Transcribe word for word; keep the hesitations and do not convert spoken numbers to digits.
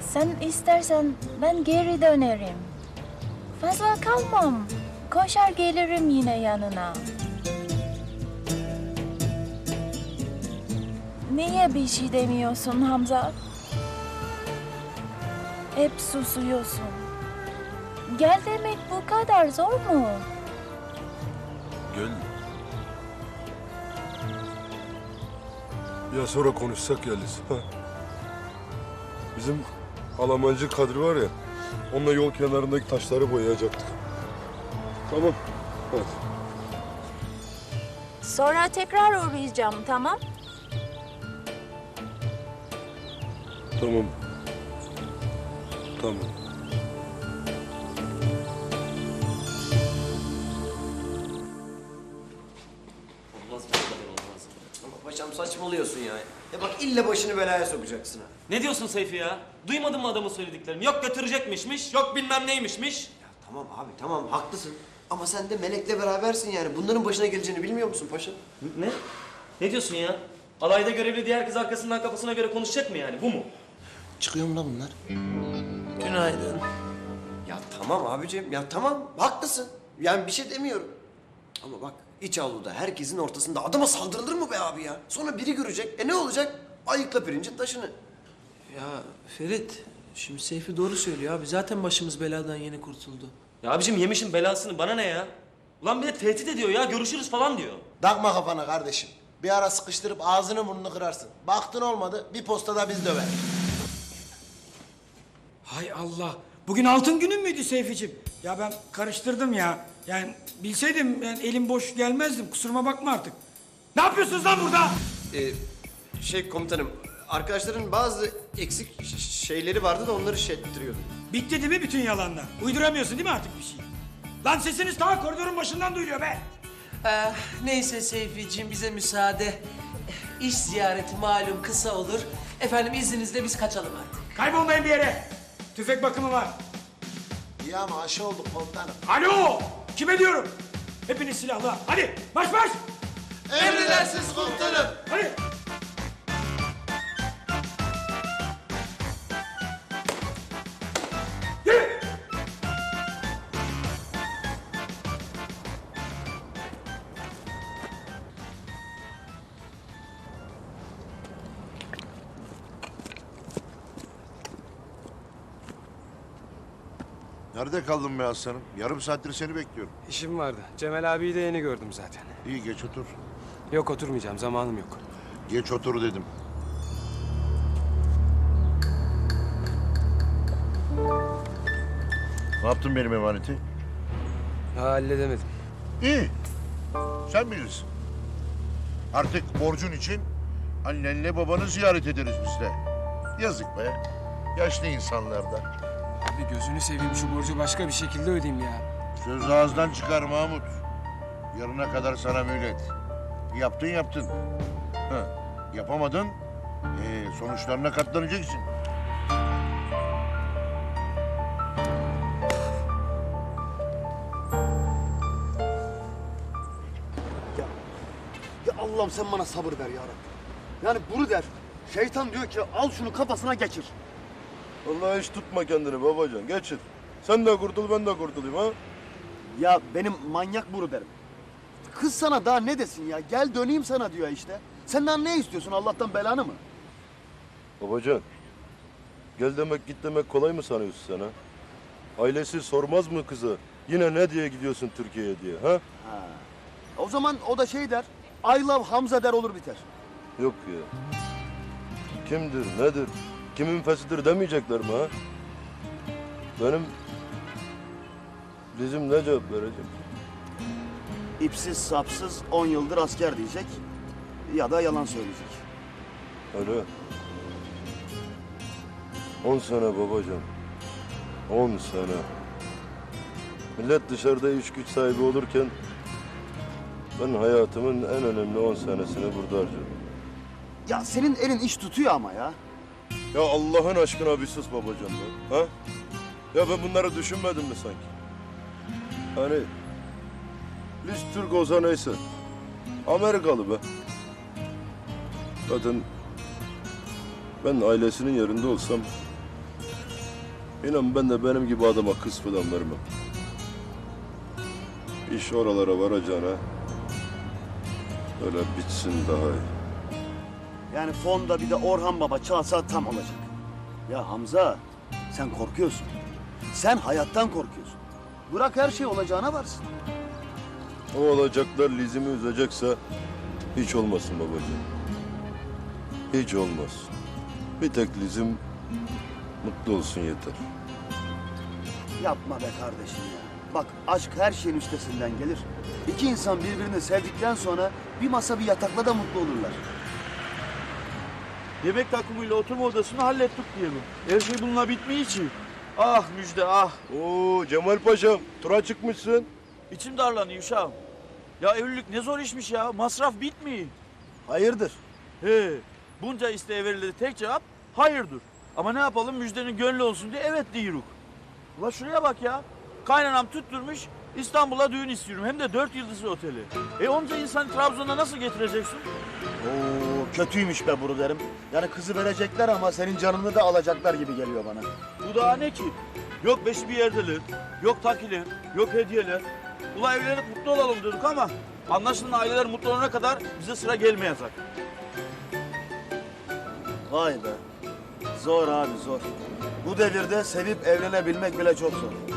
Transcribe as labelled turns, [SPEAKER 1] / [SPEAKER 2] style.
[SPEAKER 1] Sen istersen ben geri dönerim. Fazla kalmam. Koşar gelirim yine yanına. Niye bir şey demiyorsun Hamza? Hep susuyorsun. Gel demek bu kadar zor mu?
[SPEAKER 2] Gel. Ya sonra konuşsak Yeliz. Ha? Bizim Almancı Kadri var ya, onunla yol kenarındaki taşları boyayacaktık. Tamam. Hadi.
[SPEAKER 1] Sonra tekrar uğrayacağım, tamam?
[SPEAKER 2] Tamam. Tamam.
[SPEAKER 3] Olmaz bu kadar olmaz. Ama paşam saçmalıyorsun ya. Ya bak illa başını belaya sokacaksın ha.
[SPEAKER 4] Ne diyorsun Seyfi ya? Duymadın mı adamın söylediklerini? Yok götürecekmişmiş, yok bilmem neymişmiş.
[SPEAKER 3] Ya tamam abi tamam haklısın. Ama sen de Melek'le berabersin yani. Bunların başına geleceğini bilmiyor musun paşam?
[SPEAKER 4] Ne? Ne diyorsun ya? Alayda görevli diğer kız arkasından kafasına göre konuşacak mı yani? Bu mu?
[SPEAKER 3] Çıkıyor mu lan bunlar?
[SPEAKER 4] Günaydın.
[SPEAKER 3] Ya tamam abicim ya tamam haklısın. Yani bir şey demiyorum. Ama bak iç avluda herkesin ortasında adama saldırılır mı be abi ya? Sonra biri görecek. E ne olacak? Ayıkla pirincin taşını.
[SPEAKER 5] Ya Ferit, şimdi Seyfi doğru söylüyor abi. Zaten başımız beladan yeni kurtuldu.
[SPEAKER 4] Ya abicim yemişim belasını, bana ne ya? Ulan bir de tehdit ediyor ya, görüşürüz falan diyor.
[SPEAKER 6] Takma kafana kardeşim. Bir ara sıkıştırıp ağzını burnunu kırarsın. Baktın olmadı, bir postada biz döver.
[SPEAKER 7] Hay Allah. Bugün altın günün müydü Seyficiğim? Ya ben karıştırdım ya. Yani bilseydim ben elim boş gelmezdim. Kusuruma bakma artık. Ne yapıyorsunuz lan burada?
[SPEAKER 3] Ee, şey komutanım, arkadaşların bazı eksik ş- şeyleri vardı da onları şey ettiriyordum.
[SPEAKER 7] Bitti değil mi bütün yalanlar? Uyduramıyorsun değil mi artık bir şey? Lan sesiniz ta koridorun başından duyuluyor be.
[SPEAKER 5] Ee, neyse Seyficiğim bize müsaade. İş ziyareti malum kısa olur. Efendim izninizle biz kaçalım artık.
[SPEAKER 7] Kaybolmayın bir yere. Tüfek bakımı var.
[SPEAKER 6] İyi ama aşı olduk komutanım.
[SPEAKER 7] Alo! Kime diyorum? Hepiniz silahlı. Hadi baş baş!
[SPEAKER 6] Emredersiniz komutanım.
[SPEAKER 7] Hadi! Yürü!
[SPEAKER 8] Nerede kaldın be aslanım? Yarım saattir seni bekliyorum.
[SPEAKER 9] İşim vardı. Cemal abiyi de yeni gördüm zaten.
[SPEAKER 8] İyi geç otur.
[SPEAKER 9] Yok oturmayacağım, zamanım yok.
[SPEAKER 8] Geç otur dedim. Ne yaptın benim emaneti?
[SPEAKER 9] Ha, halledemedim.
[SPEAKER 8] İyi. Sen bilirsin. Artık borcun için annenle babanı ziyaret ederiz biz de. Yazık be. Yaşlı insanlardan.
[SPEAKER 9] Abi gözünü seveyim şu borcu başka bir şekilde ödeyeyim ya.
[SPEAKER 8] Söz ağızdan çıkar Mahmut. Yarına kadar sana mühlet. Yaptın yaptın. Ha, yapamadın. Ee, sonuçlarına katlanacaksın.
[SPEAKER 10] Ya Allah'ım sen bana sabır ver ya Rabbi. Yani bunu der. Şeytan diyor ki al şunu kafasına geçir.
[SPEAKER 2] Vallahi hiç tutma kendini babacan, geçir. Sen de kurtul, ben de kurtulayım ha.
[SPEAKER 10] Ya benim manyak bunu derim. Kız sana daha ne desin ya? Gel döneyim sana diyor işte. Senden ne istiyorsun? Allah'tan belanı mı?
[SPEAKER 2] Babacan, gel demek git demek kolay mı sanıyorsun sen ha? Ailesi sormaz mı kızı? Yine ne diye gidiyorsun Türkiye'ye diye ha?
[SPEAKER 10] Ha. O zaman o da şey der. I love Hamza der olur biter.
[SPEAKER 2] Yok ya. Kimdir, nedir, kimin fesidir demeyecekler mi ha? Benim... Bizim ne cevap verecek?
[SPEAKER 10] İpsiz sapsız on yıldır asker diyecek. Ya da yalan söyleyecek.
[SPEAKER 2] Öyle. On sene babacan. On sene. Millet dışarıda iş güç sahibi olurken... ben hayatımın en önemli on senesini burada harcadım.
[SPEAKER 10] Ya senin elin iş tutuyor ama ya.
[SPEAKER 2] Ya Allah'ın aşkına bir sus babacan lan, ha? Ya ben bunları düşünmedim mi sanki? Hani... biz Türk olsa neyse. Amerikalı be. Zaten... ben ailesinin yerinde olsam... İnan ben de benim gibi adama kız falan vermem. İş oralara varacağına öyle bitsin daha iyi.
[SPEAKER 10] Yani fonda bir de Orhan Baba çalsa tam olacak. Ya Hamza, sen korkuyorsun. Sen hayattan korkuyorsun. Bırak her şey olacağına varsın.
[SPEAKER 2] O olacaklar Lizimi üzecekse hiç olmasın babacığım. Hiç olmasın. Bir tek Lizim mutlu olsun yeter.
[SPEAKER 10] Yapma be kardeşim ya. Bak aşk her şeyin üstesinden gelir. İki insan birbirini sevdikten sonra bir masa bir yatakla da mutlu olurlar.
[SPEAKER 11] Yemek takımıyla oturma odasını hallettik diyelim. Her şey bununla bitmiyor için. Ah müjde ah.
[SPEAKER 2] Oo Cemal Paşam, tura çıkmışsın.
[SPEAKER 11] İçim darlanıyor uşağım. Ya evlilik ne zor işmiş ya. Masraf bitmiyor.
[SPEAKER 10] Hayırdır?
[SPEAKER 11] He. Bunca isteğe verildi tek cevap hayırdır. Ama ne yapalım müjdenin gönlü olsun diye evet diyoruz. Ula şuraya bak ya. Kaynanam tutturmuş İstanbul'a düğün istiyorum. Hem de dört yıldızlı oteli. E onca insanı Trabzon'a nasıl getireceksin?
[SPEAKER 10] Oo kötüymüş be bunu derim. Yani kızı verecekler ama senin canını da alacaklar gibi geliyor bana.
[SPEAKER 11] Bu daha ne ki? Yok beşi bir yerdeler, yok takiler, yok hediyeler. Ula evlenip mutlu olalım dedik ama anlaşılan aileler mutlu olana kadar bize sıra gelmeyecek.
[SPEAKER 10] Vay be. Zor abi zor. Bu devirde sevip evlenebilmek bile çok zor.